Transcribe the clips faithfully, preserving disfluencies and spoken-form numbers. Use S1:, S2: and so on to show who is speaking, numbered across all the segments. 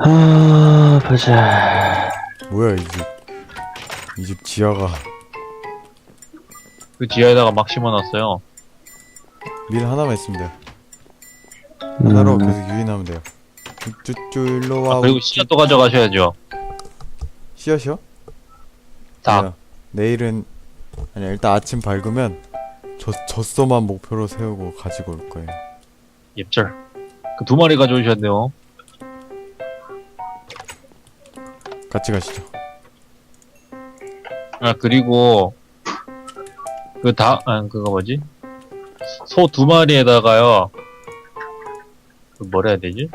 S1: 아, 보자.
S2: 뭐야 이 집. 이 집 지하가
S3: 그 지하에다가 막 심어놨어요.
S2: 밀 하나만 있으면 돼요. 하나로
S1: 음,
S2: 계속 유인하면 돼요. 쭈쭈쭈 일로 와.
S3: 아, 그리고 씨앗도 가져가셔야죠.
S2: 씨앗이요?
S3: 닭.
S2: 아니야. 내일은 아니야 일단 아침 밝으면 저 젖소만 목표로 세우고 가지고 올 거예요.
S3: 옙절. 그 두 마리 가져오셨네요.
S2: 같이 가시죠.
S3: 아, 그리고, 그 닭, 아, 그거 뭐지? 소 두 마리에다가요, 그 뭐라 해야 되지?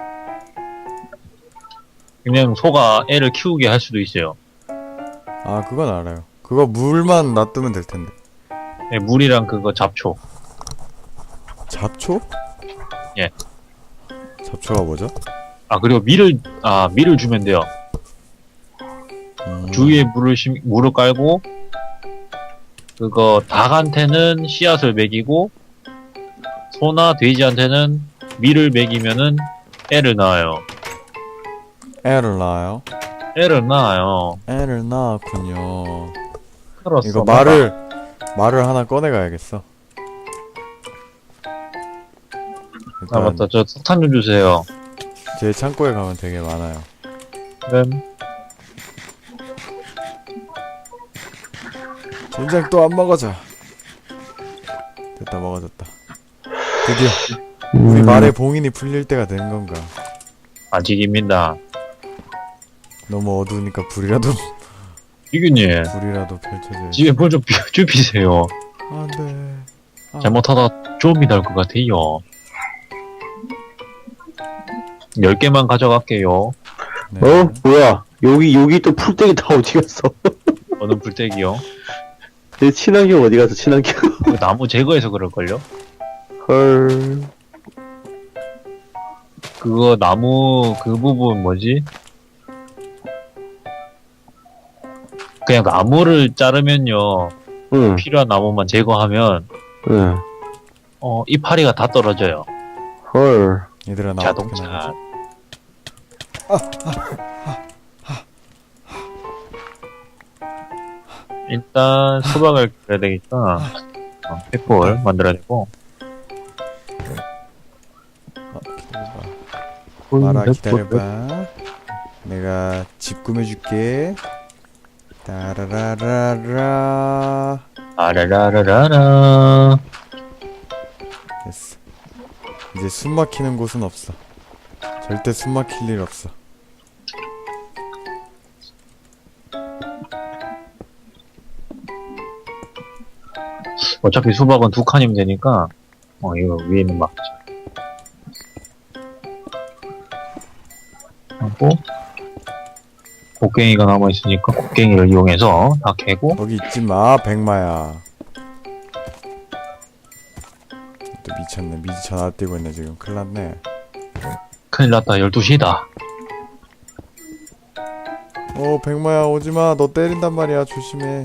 S3: 그냥 소가 애를 키우게 할 수도 있어요.
S2: 아 그건 알아요. 그거 물만 놔두면 될 텐데.
S3: 네, 물이랑 그거 잡초.
S2: 잡초?
S3: 예.
S2: 잡초가 뭐죠?
S3: 아, 그리고 밀을, 아, 밀을 주면 돼요.
S2: 음,
S3: 주위에 물을 심, 물을 깔고, 그거 닭한테는 씨앗을 먹이고, 소나 돼지한테는 밀을 먹이면은 애를 낳아요.
S2: 애를 낳아요.
S3: 애를 낳아요.
S2: 애를 낳았군요.
S3: 그렇소.
S2: 이거 말을 말을 하나 꺼내 가야겠어.
S3: 아,
S2: 일단
S3: 맞다. 저 석탄 좀 주세요.
S2: 제 창고에 가면 되게 많아요.
S3: 네.
S2: 젠장 또 안 먹어져. 됐다 먹어졌다. 드디어 우리
S1: 음,
S2: 말의 봉인이 풀릴 때가 된 건가.
S3: 아직입니다.
S2: 너무 어두우니까 불이라도
S3: 이균님,
S2: 불이라도 펼쳐져야지.
S3: 집에 물 좀 비워주세요.
S2: 안돼. 아,
S3: 잘못하다 좀이 날 것 같아요. 열 개만 가져갈게요.
S2: 네.
S1: 어? 뭐야? 여기, 여기 또 풀떼기 다 어디 갔어?
S3: 어느 불떼기요?
S1: 내 친환경 어디 갔어, 친환경?
S3: 그 나무 제거해서 그럴걸요?
S1: 헐.
S3: 그거 나무 그 부분 뭐지? 그냥 나무를 자르면요.
S1: 응,
S3: 필요한 나무만 제거하면
S1: 응.
S3: 어 이파리가 다 떨어져요.
S1: 헐.
S2: 얘들아 나 어떻게
S3: 자동차.
S2: 나가지?
S3: 일단 수박을 그려야 되겠다. 어, 팩볼 만들어야 되고.
S2: 어, 기다려봐. 마라 기다려봐. 내가 집 꾸며줄게. 따라라라라.
S3: 아라라라라라.
S2: 됐어. 이제 숨 막히는 곳은 없어. 절대 숨 막힐 일 없어.
S3: 어차피 수박은 두 칸이면 되니까 어 이거 위에는 막자. 하고 곡괭이가 남아 있으니까 곡괭이를 이용해서 다 캐고.
S2: 거기 있지 마, 백마야. 또 미쳤네. 미지 전화 뛰고 있네 지금. 큰일 났네.
S3: 큰일 났다. 열두 시다.
S2: 어, 백마야 오지 마. 너 때린단 말이야. 조심해.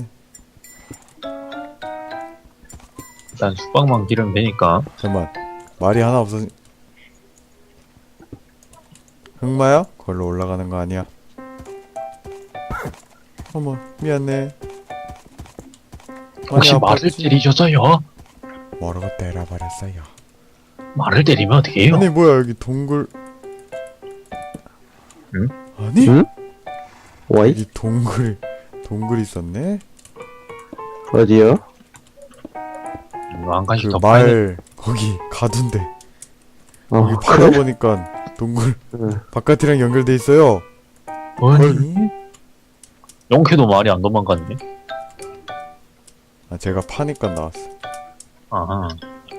S3: 일단 수박만 기르면 되니까.
S2: 잠깐만. 말이 하나 없어. 흑마야? 걸로 올라가는 거 아니야? 어머, 미안해.
S3: 혹시
S2: 많이
S3: 말을
S2: 아팠지?
S3: 때리셔서요?
S2: 뭐라고 때려버렸어요.
S3: 말을 때리면 어떻게 해요?
S2: 아니 뭐야 여기 동굴.
S3: 응?
S2: 아니?
S1: 응? 와이?
S2: 여기 동굴 동굴 있었네?
S1: 어디요?
S3: 이거 한 칸씩
S2: 그
S3: 더 파야 돼.
S2: 말 거기 가둔데
S1: 어,
S2: 여기 파다 보니까 동굴
S1: 응.
S2: 바깥이랑 연결돼 있어요.
S3: 아니, 용케도 말이 안 도망갔네.
S2: 아 제가 파니까 나왔어.
S3: 아하.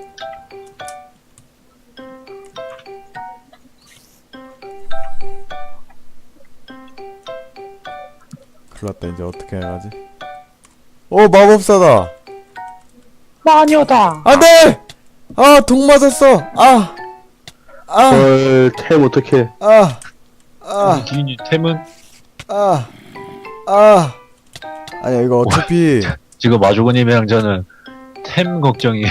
S2: 큰일났다. 이제 어떻게 해야지? 어 마법사다.
S3: 마녀다.
S2: 안돼! 아 독 맞았어. 아! 아!
S1: 헐, 템 어떡해.
S2: 아! 아!
S3: 기인이 템은
S2: 아! 아! 아니야 이거 어차피
S3: 지금 마주고님이랑 저는 템 걱정이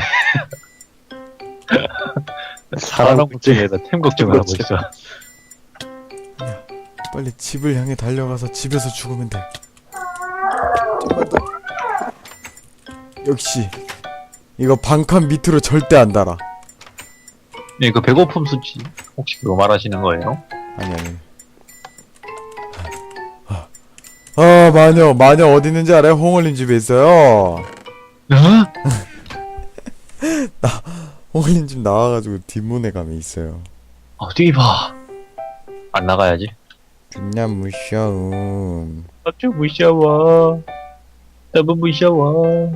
S3: 사람 걱정에다 템 걱정을 하고 있어.
S2: 빨리 집을 향해 달려가서 집에서 죽으면 돼. 좀만 더. 역시 이거 반칸 밑으로 절대 안 달아.
S3: 네, 그 배고픔 수치 혹시 그거 말하시는 거예요?
S2: 아니 아니. 아 마녀 마녀 어디 있는지 알아요? 홍올님 집에 있어요.
S3: 응?
S2: 홍올님 집 나와가지고 뒷문에 가면 있어요.
S3: 어디 봐. 안 나가야지.
S2: 그냥 무셔움.
S3: 아주 무서워. 너무 무서워.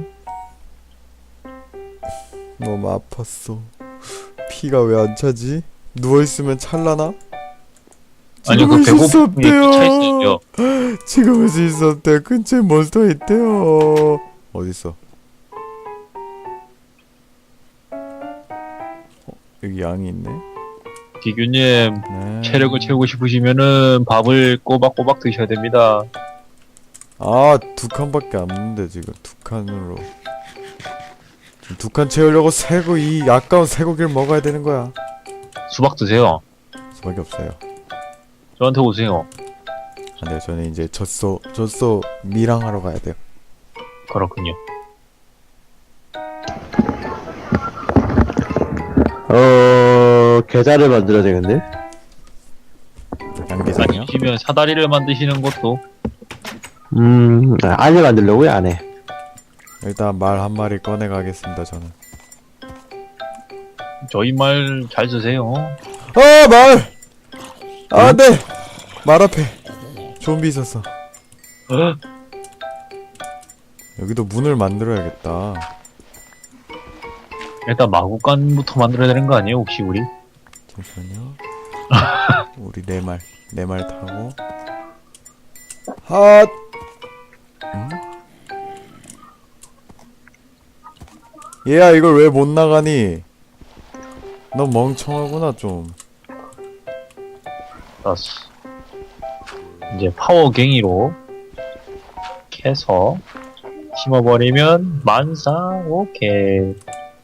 S2: 너무 아팠어. 피가 왜 안 차지? 누워있으면 찰라나?
S3: 아니 그
S2: 지금 할수
S3: 배고픔이 차 있어요.
S2: 지금 할 수 있었대. 근처에 몬스터 있대요. 어딨어? 어, 여기 양이 있네.
S3: 기규님
S2: 네.
S3: 체력을 채우고 싶으시면은 밥을 꼬박꼬박 드셔야 됩니다.
S2: 아, 두 칸밖에 안 먹는데 지금 두 칸으로. 지금 두 칸 채우려고 새고 이 아까운 쇠고기를 먹어야 되는 거야.
S3: 수박 드세요.
S2: 수밖에 없어요.
S3: 저한테 오세요.
S2: 안 돼요. 저는 이제 젖소 젖소 미랑하러 가야 돼요.
S3: 그렇군요.
S1: 어, 계좌를 만들어야 되겠네?
S2: 양계장이요?
S3: 아니시면 사다리를 만드시는 것도.
S1: 음, 아, 알을 만들려고요, 안 해.
S2: 일단 말 한 마리 꺼내 가겠습니다. 저는.
S3: 저희 말 잘 쓰세요.
S2: 아 말! 아 네! 말 앞에 좀비 있었어.
S3: 어?
S2: 여기도 문을 만들어야겠다.
S3: 일단 마구간부터 만들어야 되는 거 아니에요, 혹시 우리?
S2: 잠시만요. 우리 네 말, 네 말 타고. 핫! 응? 얘야, 이걸 왜 못 나가니? 너 멍청하구나, 좀.
S3: 알았어. 이제 파워갱이로 캐서 심어버리면 만사 오케이.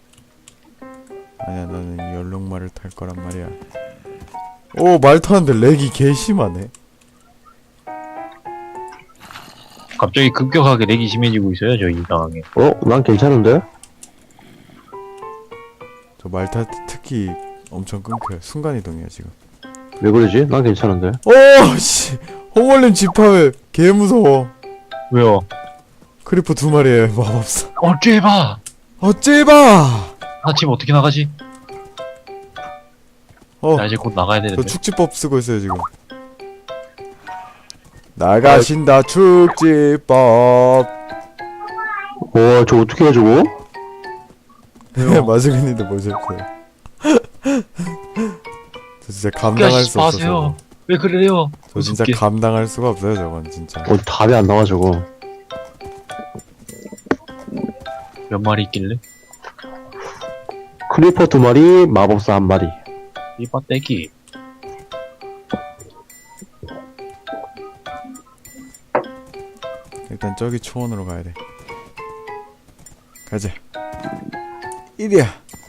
S2: 아니야, 나는 연록말을 탈 거란 말이야. 오, 말 타는데 렉이 개심하네.
S3: 갑자기 급격하게 렉이 심해지고 있어요, 저 이상하게.
S1: 어, 난 괜찮은데?
S2: 저 말 탈 때 특히 엄청 끊겨요. 순간이동이야, 지금.
S1: 왜 그러지? 난 괜찮은데?
S2: 오, 씨! 홍월님 집합에 개 무서워.
S3: 왜요?
S2: 크리퍼 두 마리에 마법사.
S3: 어째 봐!
S2: 어째봐!
S3: 나 지금 어떻게 나가지?
S2: 어,
S3: 나 이제 곧 나가야
S2: 저
S3: 되는데.
S2: 축지법 쓰고 있어요, 지금. 나가신다, 축지법.
S1: 와, 저 어떻게 해, 저거?
S2: 마즈근님도 보셨어요. 저 진짜 감당할 수 없어서.
S3: 마세요. 왜 그래요?
S2: 저 진짜
S3: 무섭게.
S2: 감당할 수가 없어요, 저건 진짜.
S1: 어, 답이 안 나와, 저거.
S3: 몇 마리 있길래?
S1: 크리퍼 두 마리, 마법사 한 마리.
S3: 이 빠떼기.
S2: 일단 저기 초원으로 가야 돼. 가자. 이리야.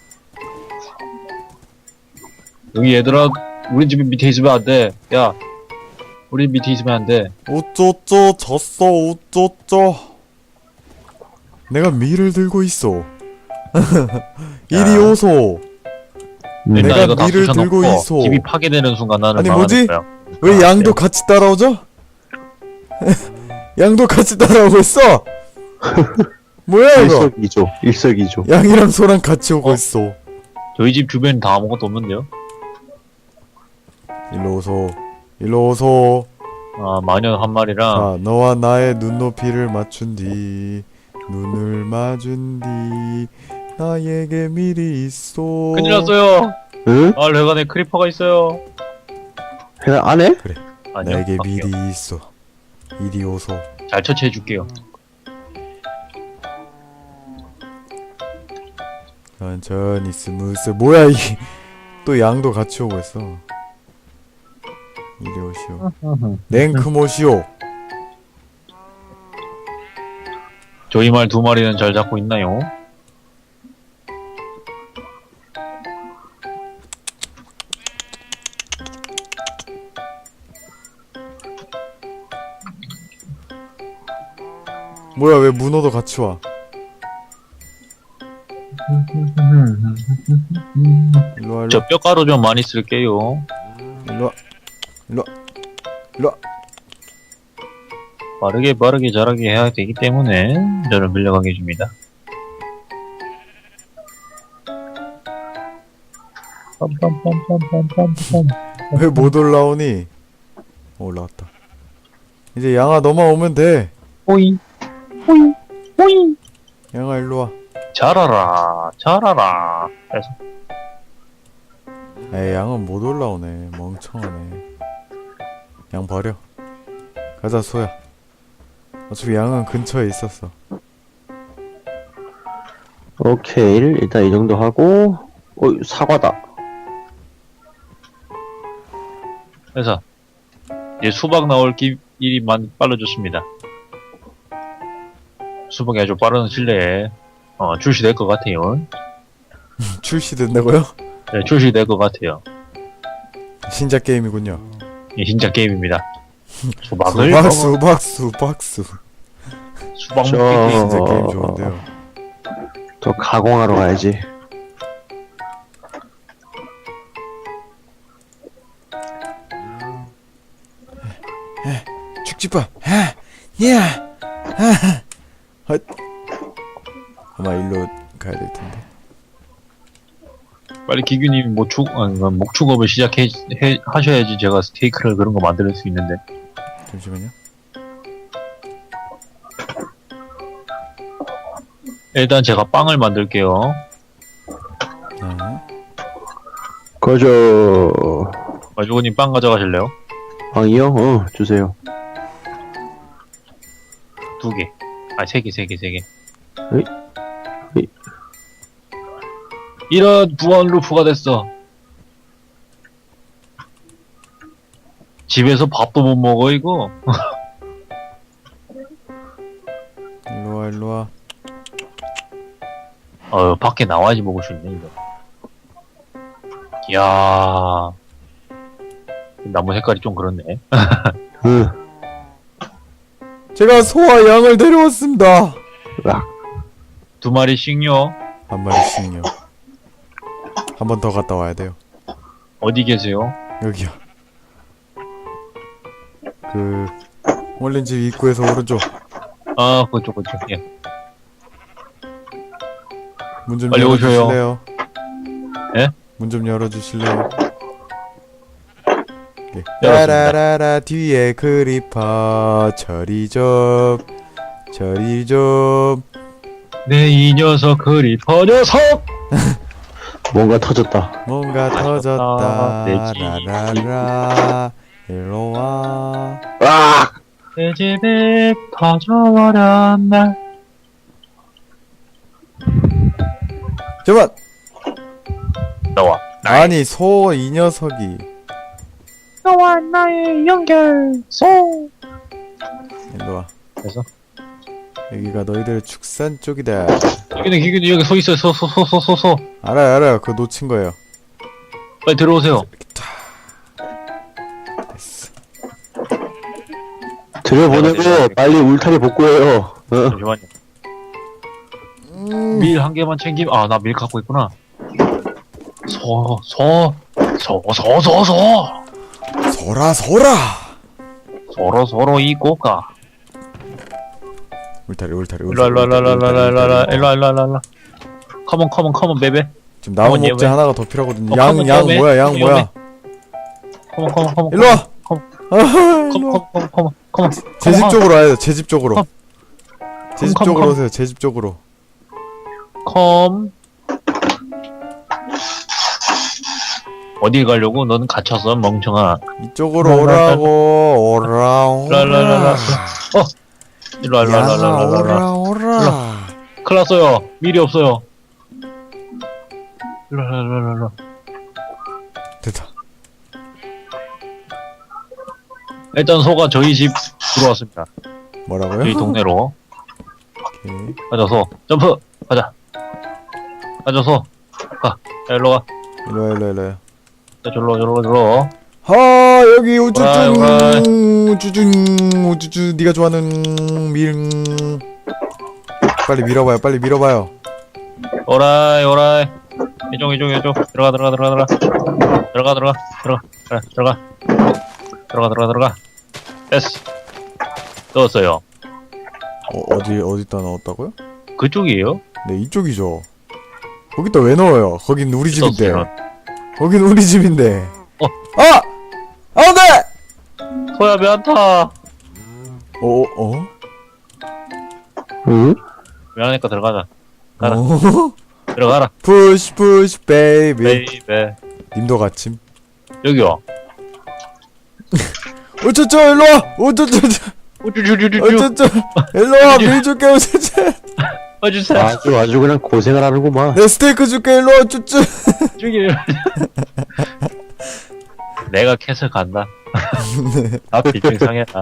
S3: 여기 얘들아, 우리 집 밑에 있으면 안 돼. 야, 우리 집 밑에 있으면 안 돼.
S2: 우쪼쪼 졌어 우쪼쪼. 내가 밀을 들고 있어. 이리 오소.
S1: 음,
S3: 일단
S2: 내가
S3: 이거 다
S2: 밀을
S3: 부셔놓고
S2: 들고 있어.
S3: 집이 파괴되는 순간 나는
S2: 아니,
S3: 망하는
S2: 뭐지?
S3: 거야.
S2: 왜 양도 같이 따라오죠? 양도 같이 따라오고 있어. 뭐야 이거?
S1: 일석이조, 일석이조.
S2: 양이랑 소랑 같이 오고
S3: 어?
S2: 있어.
S3: 저희 집 주변 다 아무것도 없는데요?
S2: 일로 오소. 일로 오소.
S3: 아, 마녀 한 마리랑
S2: 자, 너와 나의 눈높이를 맞춘 뒤 눈을 맞은 뒤 나에게 미리 있어.
S3: 큰일 났어요.
S1: 응?
S3: 아, 레간에 크리퍼가 있어요.
S1: 해나 안 해?
S3: 아니요.
S2: 나에게
S3: 할게요.
S2: 미리 있어. 이리 오소.
S3: 잘 처치해 줄게요.
S2: 천천히 스무스. 뭐야 이게? 또 양도 같이 오고 있어. 이리 오시오. 냉크모시오.
S3: 저희 말 두 마리는 잘 잡고 있나요?
S2: 뭐야 왜 문어도 같이 와? 일로와 일로와
S3: 저 뼈가루 좀 많이 쓸게요.
S2: 일로와 일로와 일로와.
S3: 빠르게 빠르게 자라게 해야 되기 때문에 저를 밀려가게 해줍니다. 빰빰빰빰빰빰빰.
S2: 왜 못 올라오니? 어, 올라왔다. 이제 양아 너만 오면 돼.
S3: 호이 호이 호이
S2: 양아 일로와.
S3: 자라라 자라라. 그래서
S2: 에이 양은 못 올라오네. 멍청하네. 양 버려. 가자 소야. 어차피 양은 근처에 있었어.
S1: 오케이. 일단 이 정도 하고, 어, 사과다.
S3: 그래서 이제 수박 나올 기, 일이 많이 빨라졌습니다. 수박이 아주 빠른 실내에 어, 출시될 것 같아요.
S2: 출시된다고요?
S3: 네, 출시될 것 같아요.
S2: 신작 게임이군요.
S3: 이 진짜 게임입니다. 수박을
S2: 수박
S3: 먹어-
S2: 수박 수박 수.
S3: 수박
S1: 저-
S3: 먹기 게임.
S2: 진짜 게임
S1: 어,
S2: 좋은데요.
S1: 저 가공하러 가야지.
S2: 축지밥. 하, 야, 하, 헛. 아마 일로 가야 될 텐데.
S3: 빨리 기규님 목축 아니, 목축업을 시작해 해, 하셔야지 제가 스테이크를 그런 거 만들 수 있는데.
S2: 잠시만요.
S3: 일단 제가 빵을 만들게요.
S2: 네.
S1: 거저,
S3: 마주고님 빵 가져가실래요?
S1: 빵이요? 어, 주세요.
S3: 두 개. 아, 세 개, 세 개, 세 개.
S1: 에이? 에이.
S3: 이런 부원 루프가 됐어. 집에서 밥도 못 먹어, 이거.
S2: 일로와 일로와.
S3: 어, 밖에 나와야지 먹을 수 있네, 이거. 이야. 나무 색깔이 좀 그렇네.
S1: 응,
S2: 제가 소와 양을 데려왔습니다.
S1: 으악.
S3: 두 마리씩요.
S2: 한 마리씩요. 한 번 더 갔다 와야 돼요.
S3: 어디 계세요?
S2: 여기요. 그 원래 집 입구에서 오른쪽.
S3: 아, 그쪽, 그쪽. 예.
S2: 문 좀
S3: 빨리 오셔요.
S2: 열어주실래요?
S3: 예?
S2: 문 좀 열어주실래요? 예.
S3: 열었습니다.
S2: 따라라라 뒤에 크리퍼 처리 좀 처리 좀.
S3: 네, 이 녀석, 그리퍼 녀석!
S1: 뭔가 터졌다.
S2: 뭔가 터졌다.
S3: 내 집이.
S2: 라라라 일로와.
S1: 으악!
S3: 내 집에 터져버렸나?
S2: 잠깐.
S3: 너와
S2: 아니 소 이 녀석이.
S3: 너와 나의 연결소.
S2: 일로와.
S3: 그래서
S2: 여기가 너희들의 축산 쪽이다.
S3: 기균이 기균이 여기 서 있어요. 서 서 서 서 서 서.
S2: 알아요 알아요. 그거 놓친 거예요.
S3: 빨리 들어오세요.
S2: 됐어.
S1: 들여보내고 빨리 울타리 복구해요. 어?
S3: 잠시만요.
S2: 음.
S3: 밀 한 개만 챙기면 아 나 밀 갖고 있구나. 서서서서서서
S2: 소라 소라.
S3: 서로 서로 이 꼬까.
S2: 울타리 울타리
S3: 일로 일로 일로 일로 일로 일로 일로 일로 일로. 컴온 컴온 컴온 베베.
S2: 지금 나무
S3: 컴온,
S2: 목재
S3: 얘 왜?
S2: 하나가 더 필요하거든요.
S3: 어,
S2: 양
S3: 컴온,
S2: 양
S3: 얘 왜?
S2: 뭐야 양
S3: 얘
S2: 뭐야.
S3: 컴온 컴온 컴온.
S2: 일로 와.
S3: 컴.
S2: 아하,
S3: 컴온
S2: 일로 와.
S3: 컴온 컴온 컴온.
S2: 제 집 쪽으로 와야 돼. 제 집 쪽으로.
S3: 컴.
S2: 제 집
S3: 컴,
S2: 쪽으로
S3: 컴.
S2: 오세요. 제 집 쪽으로.
S3: 컴. 어디 가려고? 너는 갇혔어, 멍청아.
S2: 이쪽으로
S3: 라, 라, 라.
S2: 오라고. 오라 오라.
S3: 라라라라. 어! 일로 와, 일로 와, 일로 와, 일로 와, 일로 와.
S2: 오라 오라.
S3: 큰일 났어요. 밀이 없어요. 일로 와, 일로 와, 일로 와.
S2: 됐다.
S3: 일단 소가 저희 집 들어왔습니다.
S2: 뭐라고요?
S3: 저희 동네로.
S2: 오케이.
S3: 가자, 소. 점프! 가자. 가자, 소. 가. 자, 일로 가.
S2: 일로 와 일로 와 일로 와.
S3: 자, 절로, 절로, 절로.
S2: 하 여기
S3: 오라이,
S2: 우쭈쭈
S3: 오라이.
S2: 우쭈쭈 우쭈쭈 네가 좋아하는 밀. 빨리 밀어봐요. 빨리 밀어봐요.
S3: 오라이 오라이 이쪽 이쪽 이쪽 들어가 들어가 들어가 들어가 들어가 들어가 들어가 그래, 들어가 들어가 들어가 들어가 됐어 넣었어요.
S2: 어, 어디 어디다 넣었다고요?
S3: 그쪽이에요?
S2: 네, 이쪽이죠. 거기다 왜 넣어요? 거긴 우리 집인데.
S3: 넣었어요.
S2: 거긴 우리 집인데.
S3: 어.
S2: 아! 안 돼!
S3: 소야 면타
S2: 어, 어? 어?
S1: 응?
S3: 면하니까 들어가자. 가라.
S2: 어?
S3: 들어가라
S2: 푸시 푸시 베이비.
S3: 베이베.
S2: 님도 같임.
S3: 여기요.
S2: 어쩌쩌 일로와! 어쩌쩌쩌
S3: 우쭈쭈쭈쭈쭈
S2: 어쩌쩌 일로와! 밀 줄게 어쩌쩌
S3: 어주세요.
S1: 아주 아주 그냥 고생을 하는구만.
S2: 내 스테이크 줄게 일로와 쭈쭈.
S3: 죽이. 내가 캐서 간다. 앞이 좀 상했다.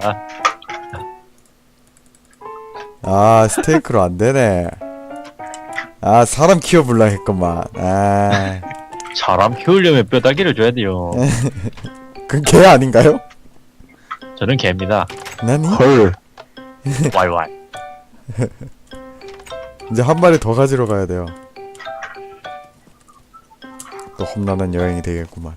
S2: 아 스테이크로 안되네. 아 사람 키워볼라 했건만. 아
S3: 사람 키우려면 뼈다귀를 줘야 돼요.
S2: 그건 개 아닌가요?
S3: 저는 개입니다.
S2: 나니?
S1: 헐.
S3: 와이와이.
S2: 이제 한 마리 더 가지러 가야 돼요. 또 험난한 여행이 되겠구만.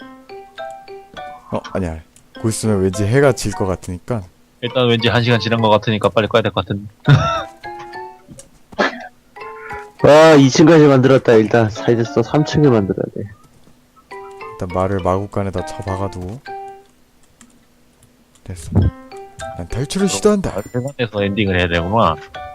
S2: 어 아니야. 곧 있으면 왠지 해가 질 것 같으니까.
S3: 일단 왠지 한 시간 지난 것 같으니까 빨리 꺼야 될 것 같은.
S1: 와, 이 층까지 만들었다. 일단 사이즈서 삼 층을 만들어야 돼.
S2: 일단 말을 마구간에다 쳐박아두고. 됐어. 난 탈출을 시도한다.
S3: 회관에서 엔딩을 해야 되구나.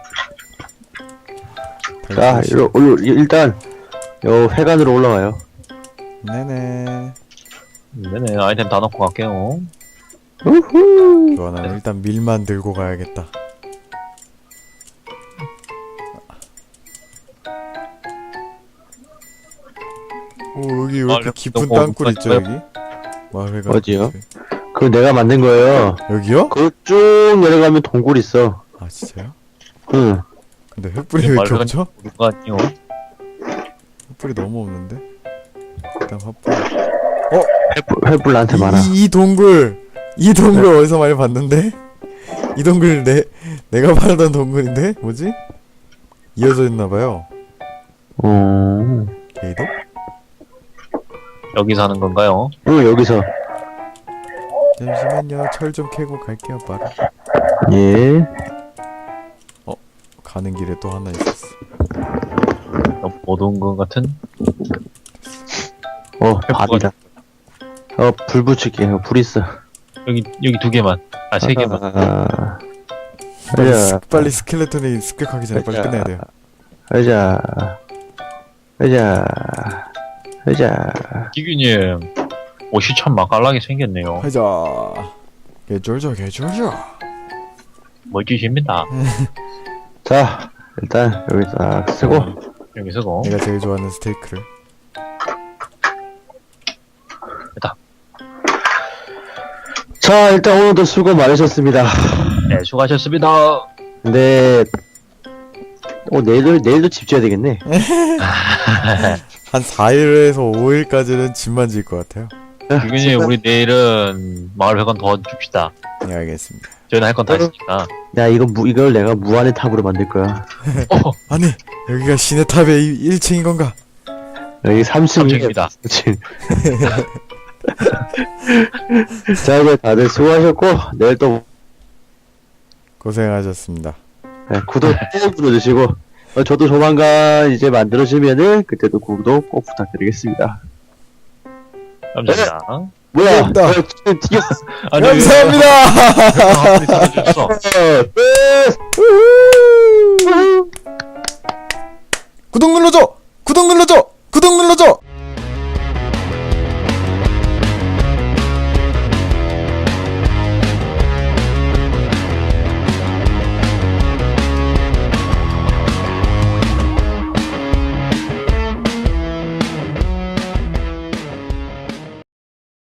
S1: 자,
S2: 탈출을 시-
S1: 일로, 일로, 일단 요 회관으로 올라가요.
S2: 네네.
S3: 네네 아이템 다 넣고 갈게요.
S1: 우후.
S2: 좋아, 나는 일단 밀만 들고 가야겠다. 오, 여기 왜 이렇게
S3: 아,
S2: 깊은
S3: 너무
S2: 땅굴 있죠,
S3: 어떡할까요?
S2: 여기? 마을회관.
S1: 어디요? 그거 내가 만든 거예요.
S2: 여기요?
S1: 그거 쭉 내려가면 동굴 있어.
S2: 아, 진짜요?
S1: 응.
S2: 근데 횃불이 왜 이렇게
S3: 마을회관-
S2: 없죠?
S3: 누가 아니요?
S2: 횃불이 너무 없는데? 일단 횃불.
S1: 횃불, 횃불 나한테 많아.
S2: 이, 이 동굴! 이 동굴 어디서 많이 봤는데? 이 동굴 내, 내가 말하던 동굴인데? 뭐지? 이어져 있나봐요.
S1: 어.
S2: 게이도?
S3: 여기 사는 건가요?
S1: 응, 여기서.
S2: 잠시만요. 철 좀 캐고 갈게요, 바로.
S1: 예.
S2: 가는 길에 또 하나 있었어.
S3: 너무 어두운 것 같은?
S1: 어, 밥이다. 어, 불 붙일게. 어, 불 있어.
S3: 여기 여기 두 개만. 아 세 개만.
S1: 아,
S2: 빨리,
S1: 가자.
S2: 스, 빨리 스켈레톤이 습격하기 전에 빨리
S1: 가자.
S2: 끝내야 돼요.
S1: 가자. 가자. 가자.
S3: 기규님 옷이 참 맛깔나게 생겼네요.
S2: 하자. 개쫄죠, 개쫄죠.
S3: 멋지십니다.
S1: 자, 일단 여기 딱 쓰고.
S3: 여기 쓰고.
S2: 내가 제일 좋아하는 스테이크를.
S1: 자, 일단 오늘도 수고 많으셨습니다.
S3: 네 수고하셨습니다.
S1: 근데 어 내일도 내일도 집 지어야 되겠네.
S2: 한 사 일에서 오 일까지는 집만 지을 것 같아요.
S3: 기규님 우리 내일은 마을회관 더 줍시다.
S2: 네, 알겠습니다.
S3: 저희는 할 건 다 했으니까.
S1: 야, 이거 무 이걸 내가 무한의 탑으로 만들 거야.
S3: 어,
S2: 아니, 여기가 신의 탑의 일 층인 건가?
S1: 여기 삼 층.
S3: 삼 층입니다.
S1: 자, 이제 다들 수고하셨고 내일 또
S2: 고생하셨습니다.
S1: 네, 구독 꼭 눌러주시고 어, 저도 조만간 이제 만들어지면은 그때도 구독 꼭 부탁드리겠습니다.
S3: 감사합니다.
S1: 뭐야?
S2: 감사합니다.
S1: 어, 지금 튀겼어.
S3: 아니,
S2: 감사합니다!
S3: 아무리 생겨줬어.
S1: 끝!
S2: 구독 눌러줘! 구독 눌러줘! 구독 눌러줘!